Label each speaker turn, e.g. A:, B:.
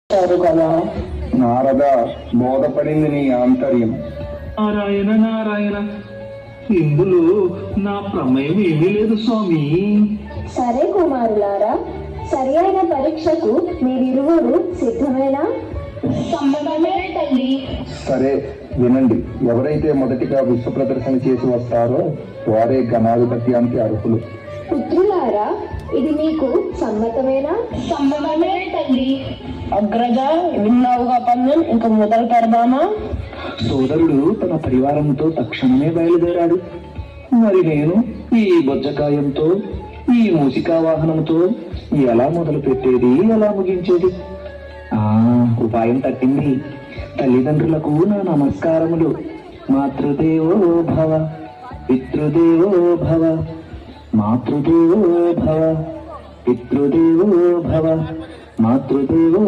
A: కదా.
B: నారద, బోధపడింది నీ ఆంతర్యం.
C: నారాయణ నారాయణ, ఇందులో నా ప్రమేయం ఏమీ లేదు స్వామి.
A: సరే కుమారులారా, సరి అయిన పరీక్షకు మీరిరువురు సిద్ధమేనా?
D: సమ్మతమే తల్లి.
B: సరే వినండి, ఎవరైతే మొదటిగా విశ్వ ప్రదర్శన చేసి వస్తారో వారే గణాధిపత్యానికి అర్హులు.
A: పుత్రులారా, ఇది మీకు సమ్మతమేనా?
D: సమ్మతమే తల్లి. అగ్రజ, విన్నావుగా పందెం, ఇంక మొదలు పెడదామా?
C: సోదరుడు తన పరివారంతో తక్షణమే బయలుదేరాడు. మరి నేను ఈ బొజ్జకాయంతో, ఈ మూసికా వాహనంతో ఎలా మొదలు పెట్టేది, ఎలా ముగించేది? ఉపాయం తట్టింది. తల్లిదండ్రులకు నా నమస్కారములు. మాతృదేవో భవ, పితృదేవో భవ, మాతృదేవో భవ, పితృదేవో భవ, మాతృదేవో